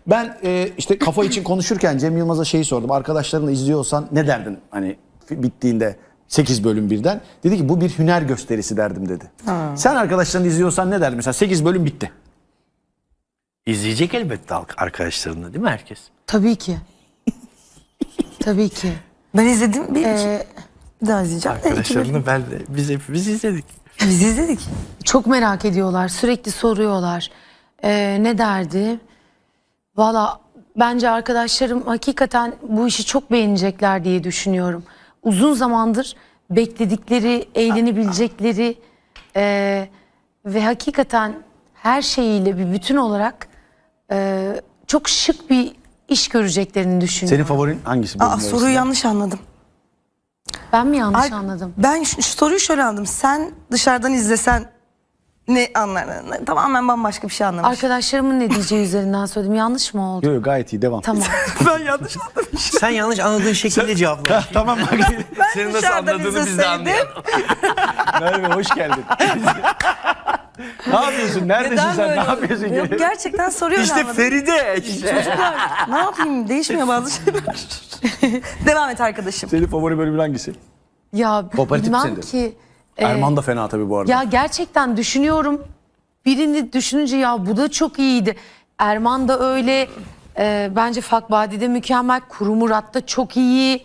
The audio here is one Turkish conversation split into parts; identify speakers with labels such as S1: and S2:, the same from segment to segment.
S1: Ben işte kafa için konuşurken Cem Yılmaz'a şeyi sordum. Arkadaşlarınla izliyorsan ne derdin hani bittiğinde 8 bölüm birden? Dedi ki bu bir hüner gösterisi derdim dedi. Sen arkadaşlarını izliyorsan ne derdin? Mesela 8 bölüm bitti.
S2: İzleyecek elbette arkadaşlarını değil mi herkes?
S3: Tabii ki. Tabii ki.
S4: Ben izledim bir daha izleyeceğim.
S2: Arkadaşlarını ben de biz hepimiz izledik.
S4: Biz izledik.
S3: Çok merak ediyorlar. Sürekli soruyorlar. Ne derdi? Valla bence arkadaşlarım hakikaten bu işi çok beğenecekler diye düşünüyorum. Uzun zamandır bekledikleri, eğlenebilecekleri ve hakikaten her şeyiyle bir bütün olarak çok şık bir iş göreceklerini düşünüyorum.
S1: Senin favorin hangisi? bölüm
S4: Soruyu
S1: arasında?
S4: yanlış anladım.
S3: Ben mi yanlış anladım?
S4: Ben şu soruyu şöyle anladım. Sen dışarıdan izlesen ne anlardın? Tamamen bambaşka bir şey anlamış.
S3: Arkadaşlarımın ne diyeceği üzerinden söyledim. Yanlış mı oldu?
S1: Yok yok, gayet iyi, devam.
S3: Tamam.
S4: Ben yanlış anladım.
S2: Sen yanlış anladığın şekilde cevapla.
S1: Tamam bak.
S2: Senin nasıl
S4: dışarıdan
S2: anladığını biz de
S4: izleseydim-
S2: anlayalım.
S1: Merve hoş geldin. Ne yapıyorsun? Neredesin sen? Ne yapıyorsun?
S4: Yok, gerçekten soruyu öyle
S2: İşte
S4: anladım.
S2: Feride.
S4: Çocuklar ne yapayım, değişmiyor bazı şeyler. Devam et arkadaşım.
S1: Senin favori bölümün hangisi?
S3: Ya
S1: Kooperatif
S3: bilmem
S1: misin?
S3: ki.
S1: Erman da fena tabii bu arada.
S3: Ya gerçekten düşünüyorum. Birini düşününce ya bu da çok iyiydi. Erman da öyle. Bence Fakbadi'de mükemmel. Kuru Murat da çok iyi.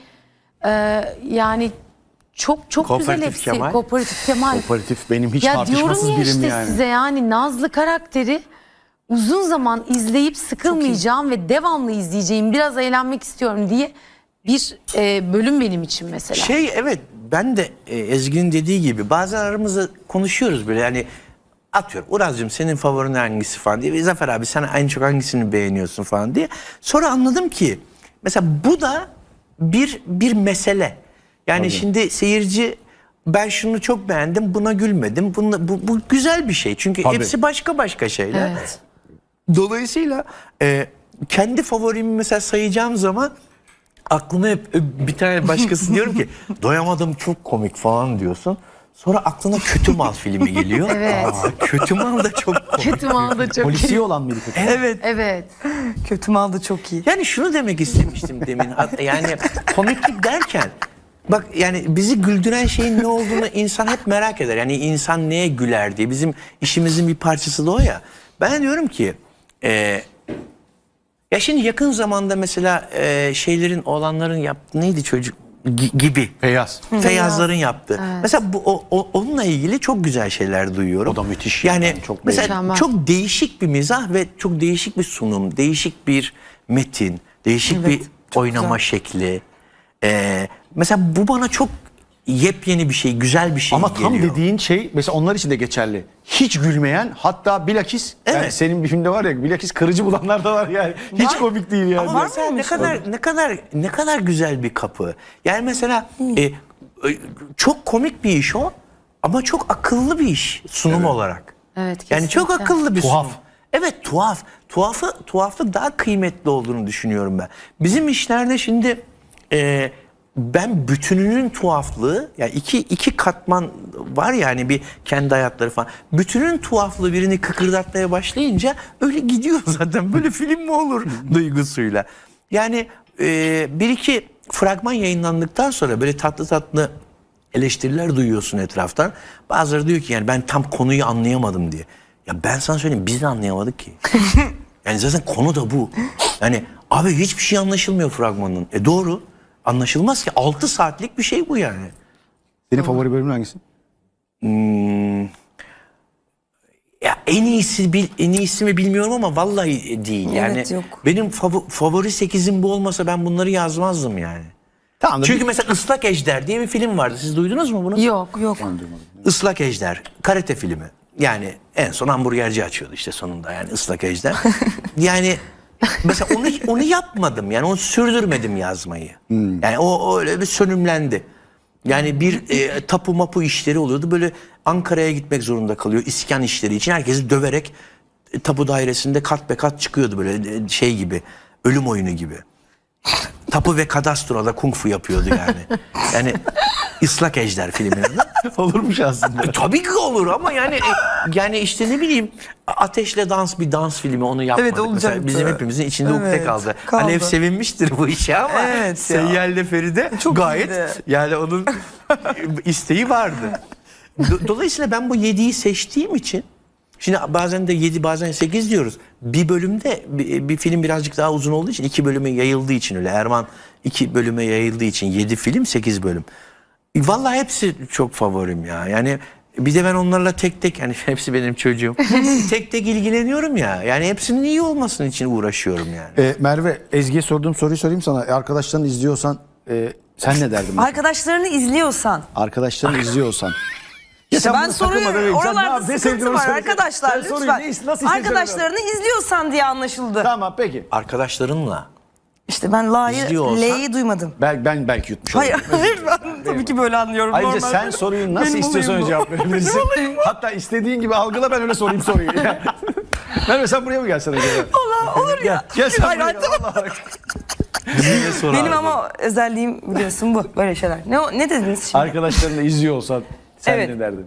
S3: Yani çok güzel
S2: Kooperatif
S3: hepsi.
S2: Kemal.
S3: Kooperatif Kemal.
S1: Kooperatif benim hiç
S3: Ya diyorum
S1: tartışmasız
S3: ya
S1: birim
S3: işte
S1: yani.
S3: size yani Nazlı karakteri uzun zaman izleyip sıkılmayacağım ve devamlı izleyeceğim. Biraz eğlenmek istiyorum diye bir bölüm benim için mesela.
S2: Evet ben de Ezgi'nin dediği gibi bazen aramızda konuşuyoruz böyle yani atıyorum Uraz'cığım senin favorin hangisi falan diye. Zafer abi sen en çok hangisini beğeniyorsun falan diye. Sonra anladım ki mesela bu da bir mesele. Yani şimdi seyirci ben şunu çok beğendim buna gülmedim. Bu güzel bir şey çünkü
S1: Tabii.
S2: hepsi başka şeyler.
S3: Evet.
S2: Dolayısıyla kendi favorimi mesela sayacağım zaman aklıma hep bir tane başkası diyorum ki doyamadım çok komik falan diyorsun. Sonra aklına Kötü Mal filmi geliyor.
S3: Evet.
S2: Kötü Mal da çok komik.
S3: Kötü mal da çok
S1: Polisiye olan mıydı kötü?
S4: Evet.
S3: Evet.
S4: Kötü mal da çok iyi.
S2: Yani şunu demek istemiştim demin. Yani komiklik derken bak yani bizi güldüren şeyin ne olduğunu insan hep merak eder. Yani insan neye güler diye. Bizim işimizin bir parçası da o ya. Ben diyorum ki ya şimdi yakın zamanda mesela şeylerin oğlanların yaptığı neydi çocuk gibi.
S1: Feyyaz.
S2: Feyyazların yaptığı. Mesela onunla ilgili çok güzel şeyler duyuyorum.
S1: O da müthiş.
S2: Yani
S1: Yani çok
S2: mesela
S3: mükemmel.
S2: çok değişik bir mizah ve çok değişik bir sunum, değişik bir metin, değişik bir oynama şekli. Mesela bu bana çok yepyeni bir şey, güzel bir şey
S1: Ama
S2: geliyor.
S1: tam dediğin şey mesela onlar için de geçerli. Hiç gülmeyen, hatta bilakis yani
S2: Evet.
S1: senin bir filmde var ya, bilakis kırıcı bulanlar da var yani. Hiç
S2: Var.
S1: komik değil yani.
S2: Ama mesela ne kadar güzel bir kapı. Yani mesela çok komik bir iş o ama çok akıllı bir iş sunum olarak.
S3: Evet,
S2: Yani çok
S3: kesinlikle.
S2: akıllı bir
S1: Tuhaf.
S2: sunum. Evet tuhaf. Tuhaflık daha kıymetli olduğunu düşünüyorum ben. Bizim işlerde şimdi ben bütününün tuhaflığı yani iki katman var yani bir kendi hayatları falan. Bütünün tuhaflığı birini kıkırdatmaya başlayınca öyle gidiyor zaten. Böyle film mi olur duygusuyla. Yani bir iki fragman yayınlandıktan sonra böyle tatlı eleştiriler duyuyorsun etraftan. Bazıları diyor ki yani ben tam konuyu anlayamadım diye. Ya ben sana söyleyeyim biz de anlayamadık ki. Yani zaten konu da bu. Yani abi hiçbir şey anlaşılmıyor fragmanın. Doğru. Anlaşılmaz ki 6 saatlik bir şey bu yani.
S1: Senin favori bölümün hangisi?
S2: Ya en iyisi mi bilmiyorum ama vallahi değil. Yani
S4: Evet, yok.
S2: benim favori 8'im bu olmasa ben bunları yazmazdım yani.
S1: Tamam da
S2: Çünkü mesela Islak Ejder diye bir film vardı. Siz duydunuz mu bunu?
S3: Yok.
S2: Islak Ejder, karate filmi. Yani en son hamburgerci açıyordu işte sonunda yani Islak Ejder. Yani mesela onu yapmadım yani onu sürdürmedim yazmayı. Yani o öyle bir sönümlendi. Yani bir tapu mapu işleri oluyordu böyle Ankara'ya gitmek zorunda kalıyor iskan işleri için herkesi döverek tapu dairesinde kat be kat çıkıyordu böyle şey gibi ölüm oyunu gibi. Tapu ve kadastroda kung fu yapıyordu yani. Yani Islak Ejder filminin adı.
S1: Olurmuş aslında.
S2: Tabii ki olur ama yani işte ne bileyim Ateşle Dans bir dans filmi onu yapmadık.
S4: Evet, olacaktı.
S2: Mesela bizim hepimizin içinde ukde
S4: Evet,
S2: kaldı.
S4: kaldı.
S2: Alev sevinmiştir bu işe ama
S4: Evet ya.
S2: Seyyel'le Feride
S4: Çok
S2: gayet
S4: iyiydi.
S2: yani onun isteği vardı. Dolayısıyla ben bu 7'yi seçtiğim için şimdi bazen de 7 bazen 8 diyoruz. Bir bölümde bir film birazcık daha uzun olduğu için 2 bölüme yayıldığı için öyle. Erman 2 bölüme yayıldığı için 7 film 8 bölüm. Vallahi hepsi çok favorim ya. Yani bir de ben onlarla tek tek yani hepsi benim çocuğum. Tek tek ilgileniyorum ya. Yani hepsinin iyi olmasının için uğraşıyorum yani.
S1: Merve, Ezgi'ye sorduğum soruyu sorayım sana. Arkadaşların izliyorsan sen ne derdin?
S4: Arkadaşlarını izliyorsan.
S1: Arkadaşların izliyorsan.
S4: İşte
S1: sen
S4: ben
S1: bunu takılmadan
S4: soruyorum.
S1: önce sen ne
S4: Oralarda
S1: yaptın? Ne sevdiğini
S4: sıkıntı var
S1: söyle.
S4: arkadaşlar
S1: Sen soruyu
S4: lütfen.
S1: nasıl
S4: Arkadaşlarını izliyorsan diye anlaşıldı.
S1: Tamam peki.
S2: Arkadaşlarınla.
S4: İşte ben
S2: İzliyorsan-
S4: L'yi duymadım.
S1: Ben belki yutmuş
S4: Hayır,
S1: oldum.
S4: hayır ben tabii ki böyle anlıyorum.
S1: Ayrıca
S4: normalde.
S1: sen soruyu nasıl
S4: Benim
S1: istiyorsan
S4: olayım bu.
S1: cevap verebilirsin. Hatta istediğin gibi algıla, ben öyle sorayım soruyu. Merve sen buraya mı gelsen acaba?
S4: Olur ya.
S1: Gel sen
S4: Hayır,
S1: buraya.
S4: hayır, tamam.
S1: Vallahi.
S2: Bizimle sor
S4: Benim
S2: abi.
S4: ama özelliğim biliyorsun bu. Böyle şeyler. Ne dediniz şimdi?
S1: Arkadaşlarını izliyor olsan sen
S4: Evet.
S1: ne derdin?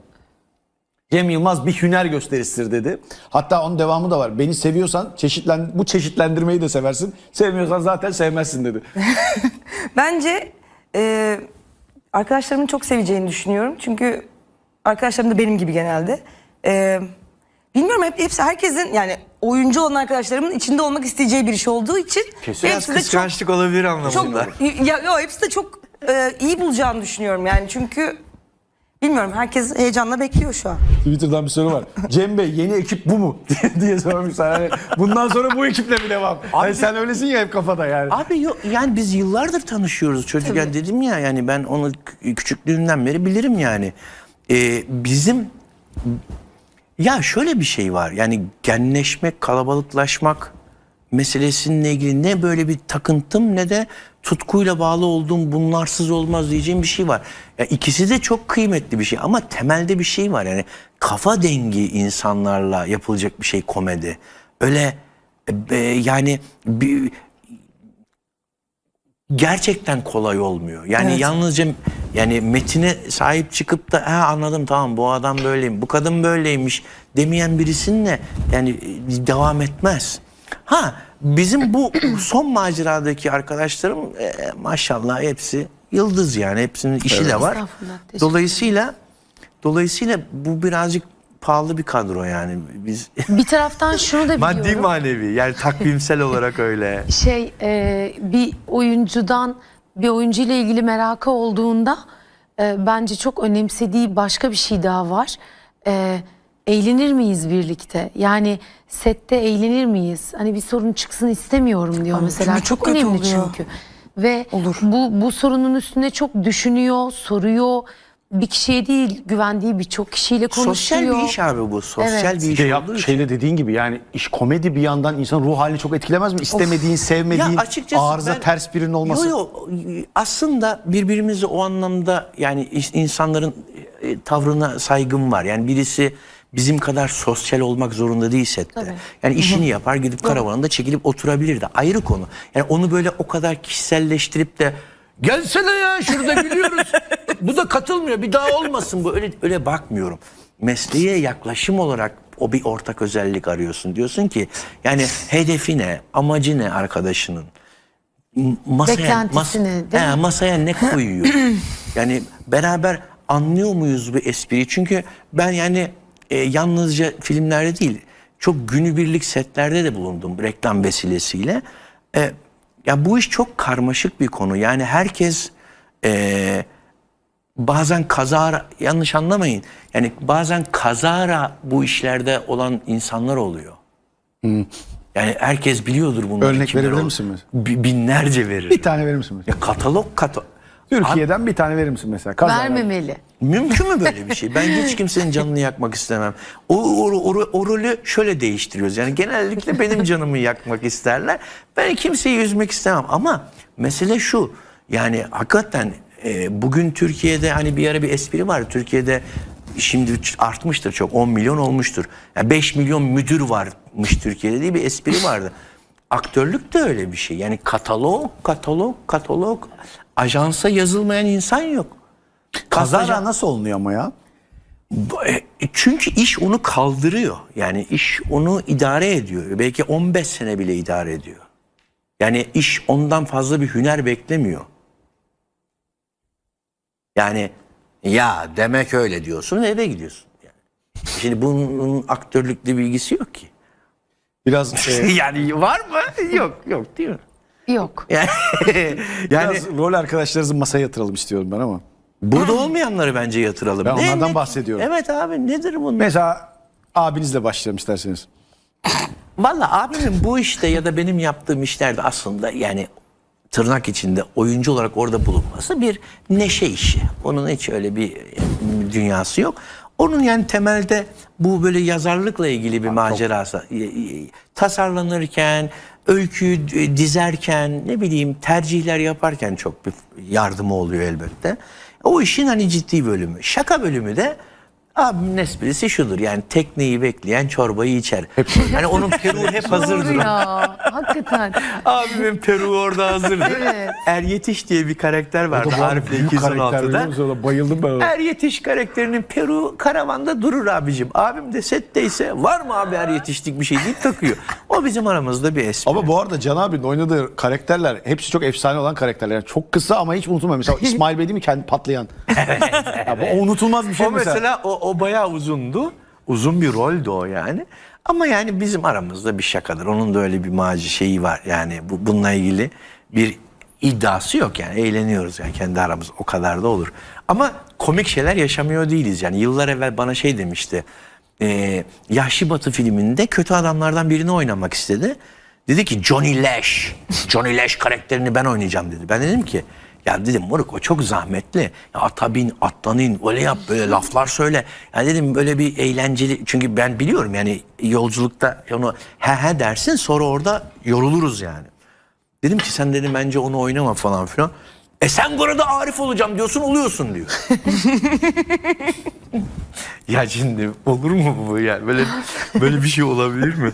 S1: Cem Yılmaz bir hüner gösterisidir dedi. Hatta onun devamı da var. Beni seviyorsan bu çeşitlendirmeyi de seversin. Sevmiyorsan zaten sevmezsin dedi.
S4: Bence arkadaşlarımın çok seveceğini düşünüyorum. Çünkü arkadaşlarım da benim gibi genelde. Bilmiyorum hepsi herkesin yani oyuncu olan arkadaşlarımın içinde olmak isteyeceği bir iş olduğu için
S2: Biraz
S4: hepsi de çok
S2: kıskançlık olabilir anlamında.
S4: hepsi de çok iyi bulacağını düşünüyorum yani çünkü bilmiyorum herkes heyecanla bekliyor şu an.
S1: Twitter'dan bir soru var. Cem Bey yeni ekip bu mu? diye sormuşlar. Yani bundan sonra bu ekiple mi devam? Hani sen öylesin ya hep kafada yani.
S2: Abi yok yani biz yıllardır tanışıyoruz çocukken dedim ya yani ben onu küçüklüğümden beri bilirim yani. Bizim ya şöyle bir şey var yani genleşmek, kalabalıklaşmak meselesiyle ilgili ne böyle bir takıntım ne de tutkuyla bağlı olduğum bunlarsız olmaz diyeceğim bir şey var. Ya ikisi de çok kıymetli bir şey ama temelde bir şey var yani kafa dengi insanlarla yapılacak bir şey komedi. Öyle yani gerçekten kolay olmuyor. Yani
S4: Evet.
S2: yalnızca yani metine sahip çıkıp da anladım tamam bu adam böyleyim, bu kadın böyleymiş demeyen birisinle yani devam etmez. Bizim bu son maceradaki arkadaşlarım maşallah hepsi yıldız yani hepsinin işi de var.
S3: Estağfurullah, teşekkür
S2: Dolayısıyla bu birazcık pahalı bir kadro yani biz
S3: Bir taraftan şunu da biliyorum.
S2: maddi manevi yani takvimsel olarak öyle.
S3: Bir oyuncuyla ilgili merakı olduğunda bence çok önemsediği başka bir şey daha var. Eğlenir miyiz birlikte? Yani sette eğlenir miyiz? Hani bir sorun çıksın istemiyorum diyor mesela.
S4: çünkü çok
S3: Çok
S4: kötü
S3: önemli
S4: oluyor.
S3: çünkü. Ve
S4: Olur.
S3: bu sorunun üstüne çok düşünüyor, soruyor. Bir kişiye değil, güvendiği birçok kişiyle konuşuyor.
S2: Sosyal bir iş abi bu. Sosyal
S3: Evet.
S2: bir iş olduğu için.
S1: Şeyde dediğin gibi yani iş komedi bir yandan insan ruh halini çok etkilemez mi? İstemediğin, sevmediğin,
S2: Ya açıkçası
S1: arıza
S2: ben-
S1: ters birinin olması.
S2: Aslında birbirimizi o anlamda yani insanların tavrına saygım var. Yani birisi bizim kadar sosyal olmak zorunda değil sette.
S3: Tabii.
S2: Yani işini yapar gidip karavanında çekilip oturabilir de ayrı konu. Yani onu böyle o kadar kişiselleştirip de gelsene ya şurada gülüyoruz. Bu da katılmıyor bir daha olmasın bu öyle bakmıyorum. Mesleğe yaklaşım olarak o bir ortak özellik arıyorsun. Diyorsun ki yani hedefi ne, amacı ne arkadaşının?
S3: Beklentisini, değil mi?
S2: Masaya ne koyuyor? Yani beraber anlıyor muyuz bu espriyi? Çünkü ben yani yalnızca filmlerde değil, çok günübirlik setlerde de bulundum reklam vesilesiyle. Ya bu iş çok karmaşık bir konu. Yani herkes bazen kazara, yanlış anlamayın. Yani bazen kazara bu işlerde olan insanlar oluyor. Yani herkes biliyordur bunları.
S1: Örnek
S2: kimler
S1: verebilir
S2: olduğunu.
S1: misin mesela?
S2: Binlerce verir.
S1: Bir tane verir misin mesela?
S2: Ya katalog.
S1: Türkiye'den bir tane verir misin mesela? Kazalar.
S3: Vermemeli.
S2: Mümkün mü böyle bir şey? Ben hiç kimsenin canını yakmak istemem. O rolü şöyle değiştiriyoruz. Yani genellikle benim canımı yakmak isterler. Ben kimseyi üzmek istemem. Ama mesele şu. Yani hakikaten bugün Türkiye'de hani bir ara bir espri var. Türkiye'de şimdi artmıştır çok. 10 milyon olmuştur. Yani 5 milyon müdür varmış Türkiye'de diye bir espri vardı. Aktörlük de öyle bir şey. Yani katalog. Ajansa yazılmayan insan yok.
S1: Kazara nasıl olunuyor ama ya?
S2: Çünkü iş onu kaldırıyor. Yani iş onu idare ediyor. Belki 15 sene bile idare ediyor. Yani iş ondan fazla bir hüner beklemiyor. Yani ya demek öyle diyorsun ve eve gidiyorsun. Yani. Şimdi bunun aktörlükle bilgisi yok ki.
S1: Biraz
S2: Yani var mı? Yok değil mi?
S3: Yok.
S2: Yani, yani
S1: biraz rol arkadaşlarınızı masaya yatıralım istiyorum ben ama.
S2: burada olmayanları bence yatıralım.
S1: Ben onlardan bahsediyorum.
S2: Evet abi, nedir bunun?
S1: Mesela abinizle başlayalım isterseniz.
S2: Vallahi abimin bu işte ya da benim yaptığım işlerde aslında yani tırnak içinde oyuncu olarak orada bulunması bir neşe işi. Onun hiç öyle bir dünyası yok. Onun yani temelde bu böyle yazarlıkla ilgili bir macerası. Tasarlanırken, öyküyü dizerken, ne bileyim tercihler yaparken çok bir yardımı oluyor elbette. O işin hani ciddi bölümü. Şaka bölümü de abimin esprisi şudur, yani tekneyi bekleyen çorbayı içer. Hani onun peruğu hep hazırdır.
S3: Doğru ya. Hakikaten.
S2: Abimin peruğu orada hazırdır.
S3: Evet.
S2: Er Yetiş diye bir karakter vardı Arif'le 216'da.
S1: Bayıldım ben ona.
S2: Er Yetiş karakterinin peruğu karavanda durur abicim. Abim de setteyse var mı abi er yetiştik bir şey deyip takıyor. O bizim aramızda bir espri.
S1: Ama bu arada Can abinin oynadığı karakterler hepsi çok efsane olan karakterler. Yani çok kısa ama hiç unutulmuyor. Mesela İsmail Bey değil mi kendi patlayan? Ya bu unutulmaz bir şey
S2: o mesela o bayağı uzundu. Uzun bir roldü o yani. Ama yani bizim aramızda bir şakadır. Onun da öyle bir şeyi var. Yani bununla ilgili bir iddiası yok yani. Eğleniyoruz yani kendi aramız. O kadar da olur. Ama komik şeyler yaşamıyor değiliz. Yani yıllar evvel bana şey demişti. Yahşi Batı filminde kötü adamlardan birini oynamak istedi. Dedi ki Johnny Lash. Johnny Lash karakterini ben oynayacağım dedi. Ben dedim ki ya dedim moruk o çok zahmetli. Ya ata bin, attan in, öyle yap, böyle laflar söyle. Ya dedim böyle bir eğlenceli, çünkü ben biliyorum yani yolculukta onu he dersin, sonra orada yoruluruz yani. Dedim ki sen dedim bence onu oynama falan filan. Sen burada Arif olacağım diyorsun, oluyorsun diyor. Ya şimdi olur mu bu yani? Böyle bir şey olabilir mi?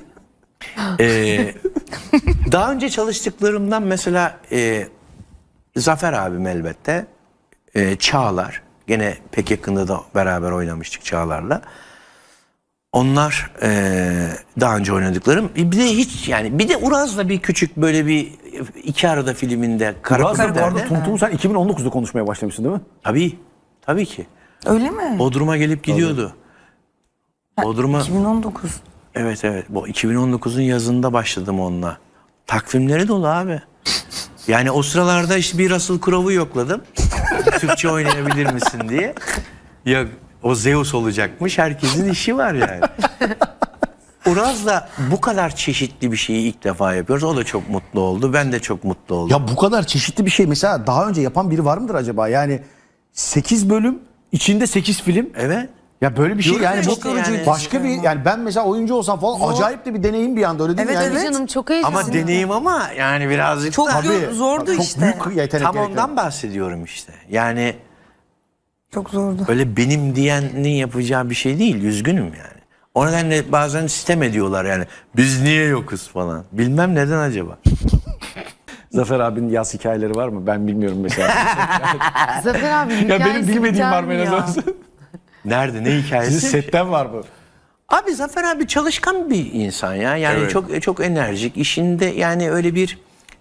S2: Daha önce çalıştıklarımdan mesela Zafer abim elbette, Çağlar, gene pek yakında da beraber oynamıştık Çağlar'la. Onlar daha önce oynadıklarım. Bir de hiç yani, bir de Uraz'la bir küçük böyle bir iki arada filminde.
S1: Uraz'la bu arada Tumtum'u sen 2019'da konuşmaya başlamışsın değil mi?
S2: Tabii ki.
S4: Öyle mi?
S2: Bodrum'a gelip gidiyordu. Bodrum'a
S4: 2019.
S2: evet bu 2019'un yazında başladım onunla. Takvimleri dolu abi. Yani o sıralarda işte bir Russell Crowe'u yokladım. Türkçe oynayabilir misin diye. Ya o Zeus olacakmış. Herkesin işi var yani. Uraz'la bu kadar çeşitli bir şeyi ilk defa yapıyoruz. O da çok mutlu oldu. Ben de çok mutlu oldum.
S1: Ya bu kadar çeşitli bir şey mesela daha önce yapan biri var mıdır acaba? Yani 8 bölüm içinde 8 film.
S2: Evet.
S1: Ya böyle bir şey
S2: Diyorum
S1: yani
S2: ya,
S1: bu
S2: işte yani.
S1: başka bir, yani ben mesela oyuncu olsam falan acayip de bir deneyim bir anda, öyle değil mi?
S4: Evet,
S1: Yani
S4: evet.
S3: Canım çok heyecanlı.
S2: Ama deneyim, ama yani birazcık
S4: Çok
S2: da
S1: Tabii,
S4: zordu
S1: çok
S4: işte.
S1: büyük yetenek
S2: tam
S1: gerekiyor.
S2: ondan bahsediyorum işte. Yani
S4: Çok zordu.
S2: öyle benim diyenin yapacağı bir şey değil. Üzgünüm yani. O nedenle bazen sitem ediyorlar yani. Biz niye yokuz falan. Bilmem neden acaba.
S1: Zafer abinin yaz hikayeleri var mı? Ben bilmiyorum mesela.
S3: Zafer abi
S1: ya benim
S3: hikayesi
S1: bilmediğim
S3: biter
S1: var mı
S3: mi
S1: en
S3: ya?
S1: azından?
S2: Nerede, ne hikayesi?
S1: Sizin setten var mı?
S2: Abi Zafer abi çalışkan bir insan ya. Yani
S1: Evet.
S2: çok enerjik. İşinde yani öyle bir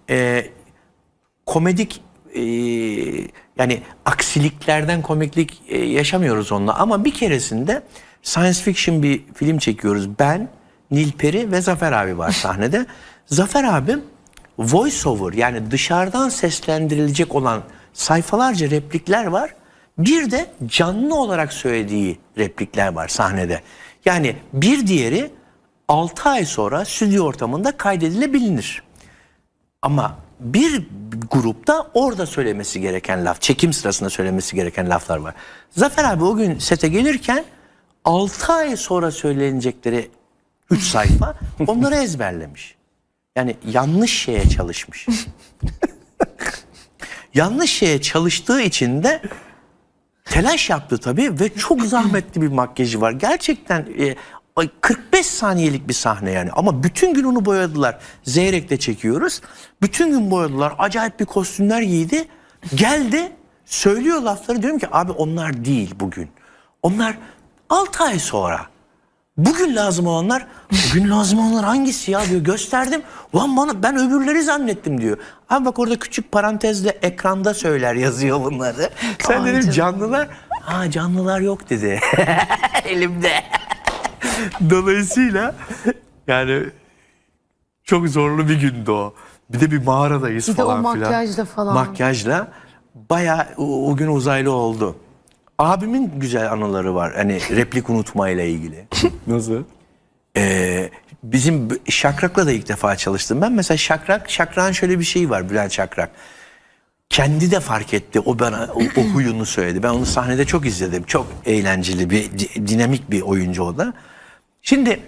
S2: komedik yani aksiliklerden komiklik yaşamıyoruz onunla. Ama bir keresinde science fiction bir film çekiyoruz. Ben, Nilperi ve Zafer abi var sahnede. Zafer abim voice over, yani dışarıdan seslendirilecek olan sayfalarca replikler var. Bir de canlı olarak söylediği replikler var sahnede. Yani bir diğeri 6 ay sonra stüdyo ortamında kaydedilebilir. Ama bir grupta orada söylemesi gereken laf, çekim sırasında söylemesi gereken laflar var. Zafer abi o gün sete gelirken 6 ay sonra söylenecekleri 3 sayfa onları ezberlemiş. Yani yanlış şeye çalışmış. Yanlış şeye çalıştığı için de telaş yaptı tabii ve çok zahmetli bir makyajı var. Gerçekten 45 saniyelik bir sahne yani, ama bütün gün onu boyadılar. Zeyrek'te çekiyoruz. Bütün gün boyadılar. Acayip bir kostümler giydi. Geldi, söylüyor lafları, diyorum ki abi onlar değil bugün. Onlar 6 ay sonra. Bugün lazım olanlar, bugün lazım olanlar hangisi ya diyor, gösterdim. Ulan bana, ben öbürleri zannettim diyor. Abi bak orada küçük parantezle ekranda söyler, yazıyor bunları. Sen dedim
S3: canım.
S2: canlılar, ha canlılar yok dedi elimde. Dolayısıyla yani çok zorlu bir gündü o. Bir de bir mağaradayız
S3: Bir de o
S2: falan filan.
S3: makyajla falan.
S2: Makyajla bayağı o gün uzaylı oldu. Abimin güzel anıları var. Hani replik unutmayla ilgili.
S1: Nasıl?
S2: Bizim Şakrak'la da ilk defa çalıştım. Ben mesela Şakrak'ın şöyle bir şeyi var, Bülent Şakrak. Kendi de fark etti. O bana o huyunu söyledi. Ben onu sahnede çok izledim. Çok eğlenceli bir, dinamik bir oyuncu o da. Şimdi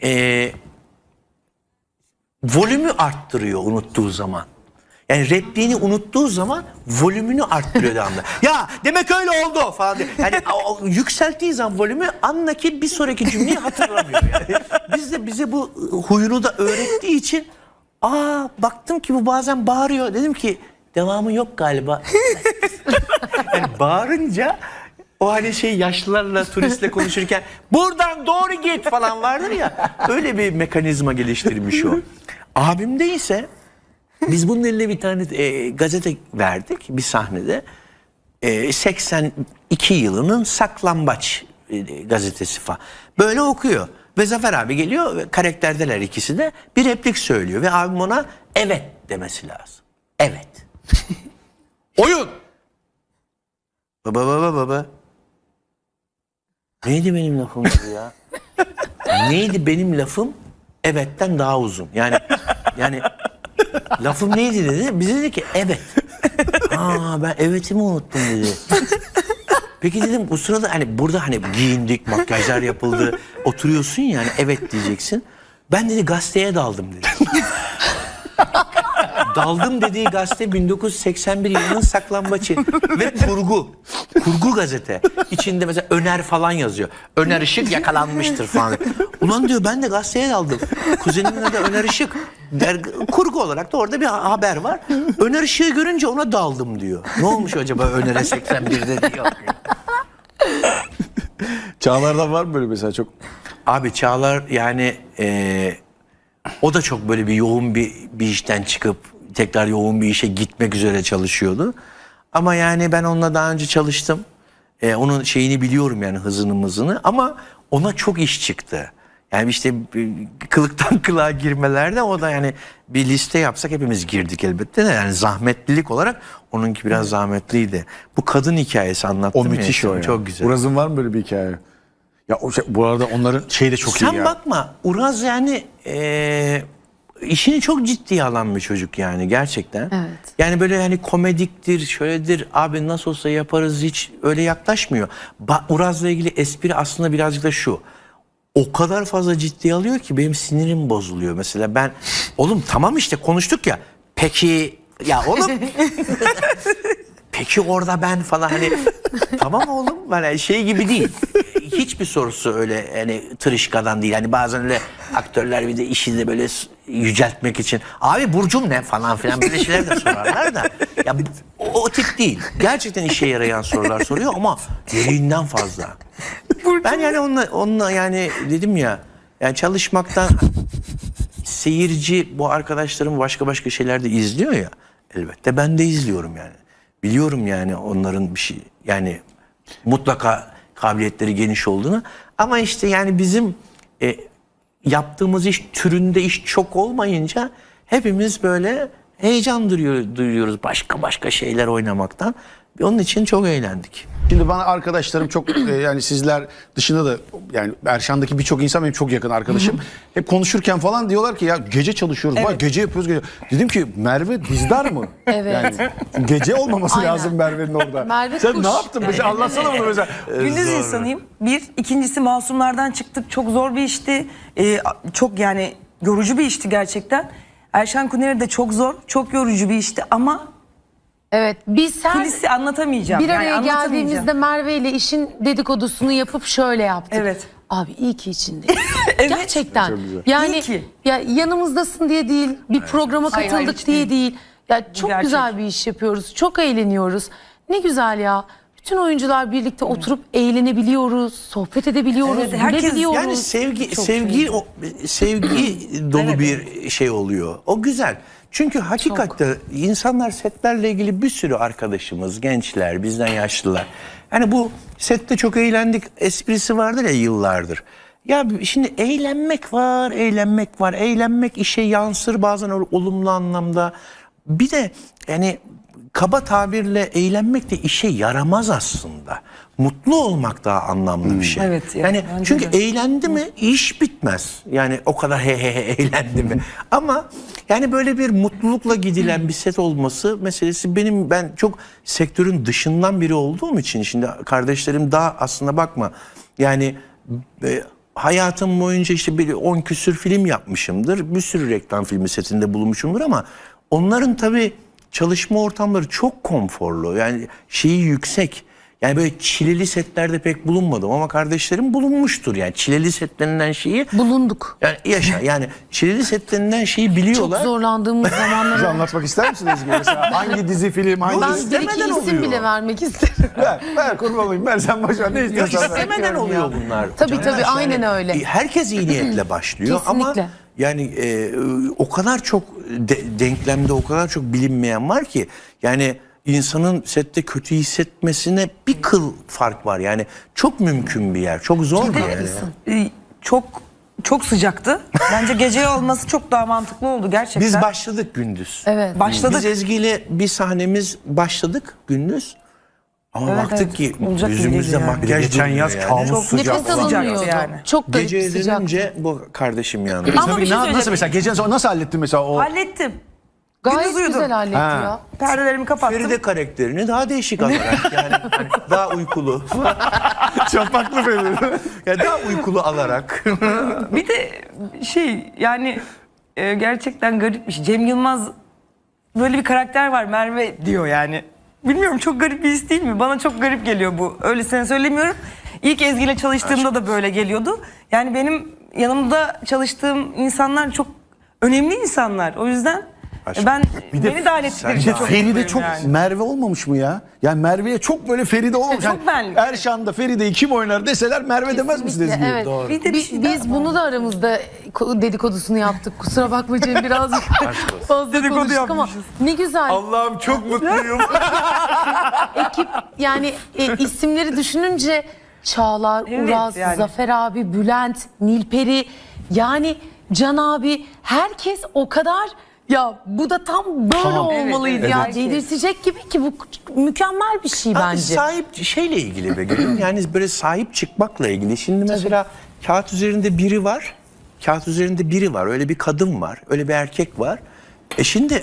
S2: volümü arttırıyor unuttuğu zaman. Yani repliğini unuttuğu zaman volümünü arttırıyor devamlı. Ya demek öyle oldu falan diye. Yani o yükselttiği zaman volümü andaki bir sonraki cümleyi hatırlamıyor yani. Bize bu huyunu da öğrettiği için baktım ki bu bazen bağırıyor. Dedim ki devamı yok galiba. Yani bağırınca o hani şey yaşlılarla turistle konuşurken buradan doğru git falan vardır ya. Öyle bir mekanizma geliştirmiş o. Abimde ise biz bunun eline bir tane gazete verdik bir sahnede. 82 yılının Saklambaç gazetesi falan. Böyle okuyor. Ve Zafer abi geliyor, karakterdeler ikisi de, bir replik söylüyor. Ve abim ona evet demesi lazım. Evet. Oyun. Baba. Neydi benim lafım ya? Neydi benim lafım? Evetten daha uzun. Yani lafım neydi dedi. Bize dedi ki evet. Ben evetimi unuttum dedi. Peki dedim bu sırada hani burada hani giyindik, makyajlar yapıldı. Oturuyorsun ya, hani evet diyeceksin. Ben dedi gazeteye daldım dedi. Daldım dediği gazete 1981 yılının Saklambaçı ve kurgu gazete. İçinde mesela Öner falan yazıyor. Öner Işık yakalanmıştır falan. Ulan diyor ben de gazeteye daldım. Kuzenimin adı Öner Işık. Kurgu olarak da orada bir haber var. Öner Işık'ı görünce ona daldım diyor. Ne olmuş acaba Öner'e 81'de diyor.
S1: Çağlar'dan var mı böyle mesela çok?
S2: Abi Çağlar yani o da çok böyle bir yoğun bir işten çıkıp tekrar yoğun bir işe gitmek üzere çalışıyordu. Ama yani ben onunla daha önce çalıştım. Onun şeyini biliyorum yani, hızını ama ona çok iş çıktı. Yani işte kılıktan kılığa girmelerde o da yani bir liste yapsak hepimiz girdik elbette de, yani zahmetlilik olarak onunki biraz zahmetliydi. Bu kadın hikayesi anlattım
S1: O müthiş
S2: ya,
S1: o ya.
S2: çok güzel.
S1: Uraz'ın var mı böyle bir hikaye? Ya o şey, bu arada onların şey de çok iyi ya.
S2: Sen bakma Uraz yani işini çok ciddiye alan bir çocuk yani gerçekten.
S3: Evet.
S2: Yani böyle hani komediktir, şöyledir, abi nasıl olsa yaparız, hiç öyle yaklaşmıyor. Uraz'la ilgili espri aslında birazcık da şu. O kadar fazla ciddiye alıyor ki benim sinirim bozuluyor. Mesela ben oğlum tamam işte konuştuk ya. Peki ya oğlum peki orada ben falan hani tamam oğlum hani şey gibi değil. Hiçbir sorusu öyle hani tırışkadan değil. Hani bazen öyle aktörler bir de işi de böyle yüceltmek için abi burcum ne falan filan böyle şeyler de sorarlar da. Ya o tip değil. Gerçekten işe yarayan sorular soruyor ama gereğinden fazla. Ben yani onunla yani dedim ya, yani çalışmaktan seyirci bu arkadaşlarım başka şeyler de izliyor ya, elbette ben de izliyorum yani. Biliyorum yani onların bir şey yani mutlaka kabiliyetleri geniş olduğunu, ama işte yani bizim yaptığımız iş türünde iş çok olmayınca hepimiz böyle heyecan duyuyoruz başka şeyler oynamaktan. Onun için çok eğlendik.
S1: Şimdi bana arkadaşlarım çok yani sizler dışında da yani Erşan'daki birçok insan benim çok yakın arkadaşım. Hep konuşurken falan diyorlar ki ya gece çalışıyoruz.
S4: Evet.
S1: Bak gece yapıyoruz gece. Dedim ki Merve dizdar mı?
S3: Evet.
S1: Yani gece olmaması
S3: Aynen.
S1: lazım Merve'nin orada.
S3: Merve
S1: Sen
S3: kuş.
S1: ne yaptın? Mesela anlatsana bunu mesela.
S4: Gündüz insanıyım. Bir. İkincisi Masumlardan çıktık. Çok zor bir işti. Çok yani yorucu bir işti gerçekten. Erşan Kuneri de çok zor, çok yorucu bir işti ama
S3: Evet, biz her
S4: kulisi anlatamayacağım.
S3: bir araya
S4: Yani anlatamayacağım.
S3: geldiğimizde Merve ile işin dedikodusunu yapıp şöyle yaptık.
S4: Evet.
S3: Abi iyi ki içindeyiz. Gerçekten.
S1: Çok güzel.
S3: Yani
S4: İyi ki.
S3: ya yanımızdasın diye değil, bir programa
S4: Hayır,
S3: katıldık
S4: hiç
S3: diye değil. Ya çok
S4: gerçek.
S3: güzel bir iş yapıyoruz. Çok eğleniyoruz. Ne güzel ya. Bütün oyuncular birlikte oturup eğlenebiliyoruz, sohbet edebiliyoruz,
S4: Evet, herkes-
S3: gülebiliyoruz.
S2: Yani sevgi dolu bir şey oluyor. O güzel. Çünkü hakikatte insanlar setlerle ilgili bir sürü arkadaşımız, gençler, bizden yaşlılar. Yani bu sette çok eğlendik esprisi vardır ya yıllardır. Ya şimdi eğlenmek var, eğlenmek var. Eğlenmek işe yansır bazen olumlu anlamda. Bir de yani kaba tabirle eğlenmek de işe yaramaz aslında. Mutlu olmak daha anlamlı bir şey.
S4: Evet, ya,
S2: yani
S4: bence
S2: çünkü
S4: de.
S2: eğlendi mi iş bitmez. Yani o kadar he eğlendi mi. Ama yani böyle bir mutlulukla gidilen bir set olması meselesi ben çok sektörün dışından biri olduğum için şimdi kardeşlerim daha aslında bakma yani hayatım boyunca işte bir 10 küsür film yapmışımdır. Bir sürü reklam filmi setinde bulunmuşumdur ama onların tabii çalışma ortamları çok konforlu. Yani şeyi yüksek. Yani böyle çileli setlerde pek bulunmadım ama kardeşlerim bulunmuştur. Yani çileli setlerinden şeyi
S3: Bulunduk.
S2: yani yani çileli setlerinden şeyi biliyorlar.
S3: Çok zorlandığımız
S1: Bize
S3: zamanlar.
S1: anlatmak ister misiniz Ezgi? Mesela hangi dizi, film, hangi
S3: Ben
S1: dizi?
S3: bir iki
S2: istemeden
S3: isim
S2: oluyor.
S3: bile vermek isterim.
S1: Ver kurban olayım. Ver sen boş ver. Ne
S2: Yok
S1: istiyorsan ver.
S2: istemeden oluyor bunlar.
S3: Tabii,
S2: Caner.
S3: tabii, aynen öyle.
S2: Herkes iyi niyetle başlıyor ama
S3: Kesinlikle.
S2: yani o kadar çok denklemde o kadar çok bilinmeyen var ki yani insanın sette kötü hissetmesine bir kıl fark var. Yani çok mümkün bir yer. Çok zor bir yer. Yani.
S4: Çok sıcaktı. Bence gece olması çok daha mantıklı oldu gerçekten.
S2: Biz başladık gündüz.
S3: Evet.
S4: Başladık.
S2: Biz Ezgi ile bir sahnemiz başladık gündüz. Ama
S4: Evet,
S2: baktık
S4: evet.
S2: ki
S4: Olacak gibi
S2: yüzümüzde
S4: değil yani.
S2: makyaj
S1: Geçen
S2: durmuyor
S1: yaz
S2: yani.
S1: kabus
S4: Çok
S1: sıcak.
S3: Nefes
S4: sıcak
S3: alınmıyordu.
S4: yani.
S3: Çok garip
S2: Gece
S3: bir sıcaktı.
S2: edince bu kardeşim yandı.
S4: Ama
S1: Tabii
S4: bir şey
S1: nasıl
S4: söyleyeceğim.
S1: mesela gece nasıl hallettin mesela o?
S4: Hallettim.
S3: Gayet
S4: Gündüz uyudum.
S3: güzel halletti
S1: Ha.
S3: ya.
S4: Perdelerimi kapattım.
S2: Feride karakterini daha değişik alarak yani hani daha uykulu.
S1: Çapaklı Feride.
S2: Yani daha uykulu alarak.
S4: Bir de yani gerçekten garipmiş. Cem Yılmaz böyle bir karakter var Merve diyor yani. Bilmiyorum çok garip bir his değil mi? Bana çok garip geliyor bu. Öylesine söylemiyorum. İlk Ezgi ile çalıştığımda da böyle geliyordu. Yani benim yanımda çalıştığım insanlar çok önemli insanlar. O yüzden ben beni dahil ettikleri için çok
S1: Feride
S4: mutluyum
S1: çok
S4: yani.
S1: Merve olmamış mı ya? Yani Merve'ye çok böyle Feride olmamış.
S4: Çok
S1: Yani
S4: benlik.
S1: Erşan'da Feride'yi kim oynar deseler Merve demez misiniz?
S3: Kesinlikle, evet.
S4: Bir de bir şey daha
S3: Biz bunu da aramızda dedikodusunu yaptık. Kusura bakma Cem, birazcık fazla
S4: Dedikodu
S3: konuştuk ama
S4: yapmışız.
S3: ne güzel.
S2: Allah'ım çok mutluyum.
S3: Ekip yani isimleri düşününce Çağlar,
S4: Evet,
S3: Uraz,
S4: yani.
S3: Zafer abi, Bülent, Nilperi, yani Can abi, herkes o kadar ya bu da tam böyle
S1: Tamam.
S3: olmalıydı
S4: Evet,
S3: ya.
S4: evet.
S3: Delirtecek gibi ki bu mükemmel bir şey
S2: Abi
S3: bence.
S2: sahip şeyle ilgili be gülüm. Yani böyle sahip çıkmakla ilgili. Şimdi mesela kağıt üzerinde biri var. Kağıt üzerinde biri var. Öyle bir kadın var. Öyle bir erkek var. Şimdi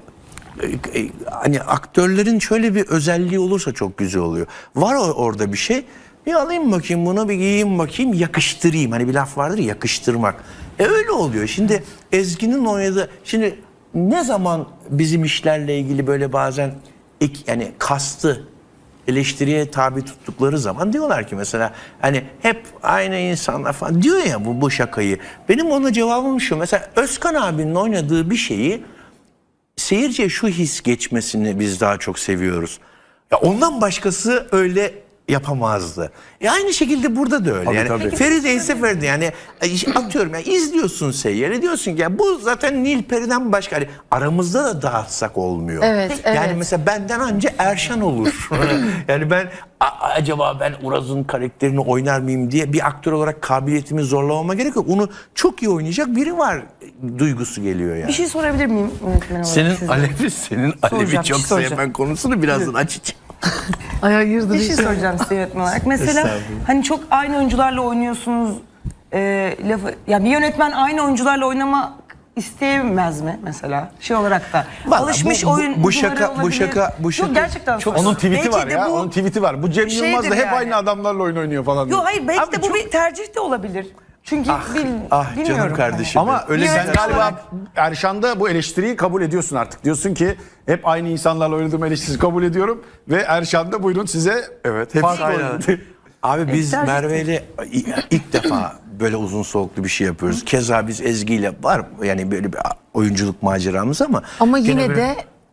S2: hani aktörlerin şöyle bir özelliği olursa çok güzel oluyor. Var orada bir şey. Bir alayım bakayım bunu, bir giyeyim bakayım, yakıştırayım. Hani bir laf vardır ya, yakıştırmak. Öyle oluyor. Şimdi Ezgi'nin oynadığı... Şimdi ne zaman bizim işlerle ilgili böyle bazen yani kastı eleştiriye tabi tuttukları zaman diyorlar ki mesela hani hep aynı insanlar falan diyor ya bu şakayı. Benim ona cevabım şu. Mesela Özkan abinin oynadığı bir şeyi seyirciye şu his geçmesini biz daha çok seviyoruz. Ya ondan başkası öyle yapamazdı. Aynı şekilde burada da öyle.
S1: Tabii,
S2: yani
S1: tabii.
S2: Feride ise Feride yani atıyorum ya izliyorsun Seyyar'ı diyorsun ki ya bu zaten Nilperi'den başka hani aramızda da dağıtsak olmuyor.
S3: Evet,
S2: Yani
S3: evet.
S2: mesela benden anca Erşan olur. Yani ben acaba ben Uraz'ın karakterini oynar mıyım diye bir aktör olarak kabiliyetimi zorlamama gerek yok. Onu çok iyi oynayacak biri var duygusu geliyor yani.
S4: Bir şey sorabilir miyim yönetmen olarak
S2: Senin
S4: size?
S2: Alevi
S4: Soracağım,
S2: çok
S4: soracağım.
S2: sevmen konusunu birazdan açacağım.
S3: Ay hayırdır
S4: Bir şey soracağım size yönetmen olarak. Mesela
S2: Estağfurullah.
S4: hani çok aynı oyuncularla oynuyorsunuz. Lafı ya bir yönetmen aynı oyuncularla oynamak isteyemez mi mesela? Şey olarak da.
S2: Vallahi
S4: Alışmış
S2: bu
S4: oyuncuları
S2: şaka
S4: olabilir. Yok, gerçekten
S2: çok-
S1: Onun
S4: soruyorum.
S1: tweet'i var
S4: Belki de
S1: ya.
S4: bu-
S1: Onun tweet'i var. Bu Cem
S4: şeydir
S1: Yılmaz da hep
S4: yani.
S1: aynı adamlarla oyun oynuyor falan. diyor.
S4: Yok hayır belki
S1: Abi
S4: de bu
S1: çok-
S4: bir tercih de olabilir. Çünkü
S2: Canım
S4: bilmiyorum.
S2: kardeşim.
S1: Ama
S2: öyle
S1: sen
S4: yönetmen
S1: galiba
S4: olarak-
S1: Erşan'da bu eleştiriyi kabul ediyorsun artık. Diyorsun ki hep aynı insanlarla oynadığım eleştirisi kabul ediyorum. Ve Erşan'da buyurun size
S2: hepsi
S1: farklı
S2: aynı.
S1: oyun.
S2: Abi biz
S4: tercih
S2: Merve ile ilk defa böyle uzun soluklu bir şey yapıyoruz. Keza biz Ezgi ile var yani böyle bir oyunculuk maceramız ama
S3: Ama
S2: gene
S3: yine
S2: böyle-
S3: de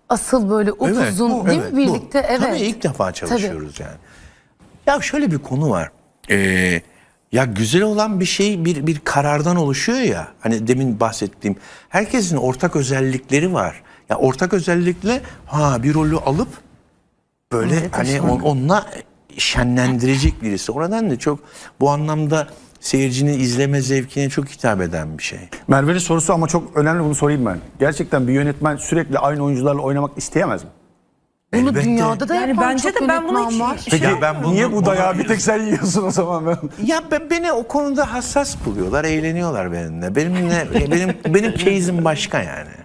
S3: asıl böyle upuzun değil mi birlikte? Evet.
S2: Tabii ilk defa çalışıyoruz yani. Ya şöyle bir konu var. Ya güzel olan bir şey bir karardan oluşuyor ya. Hani demin bahsettiğim. Herkesin ortak özellikleri var. Ya ortak özellikle bir rolü alıp böyle hani onunla şenlendirecek birisi. O nedenle çok bu anlamda seyircinin izleme zevkine çok hitap eden bir şey.
S1: Merve'nin sorusu ama çok önemli, bunu sorayım ben. Gerçekten bir yönetmen sürekli aynı oyuncularla oynamak isteyemez mi?
S3: Bunu
S2: Elbette.
S3: dünyada da
S4: Yani
S3: yapan
S4: bence
S3: çok
S4: de ben bunu
S3: yönetmen
S4: hiç-
S3: var.
S1: Peki
S2: Ya ben bunu-
S1: niye bu dayağı
S2: bunu-
S1: bir tek sen yiyorsun o zaman?
S2: Ya beni o konuda hassas buluyorlar, eğleniyorlar benimle. Benim case'im başka yani.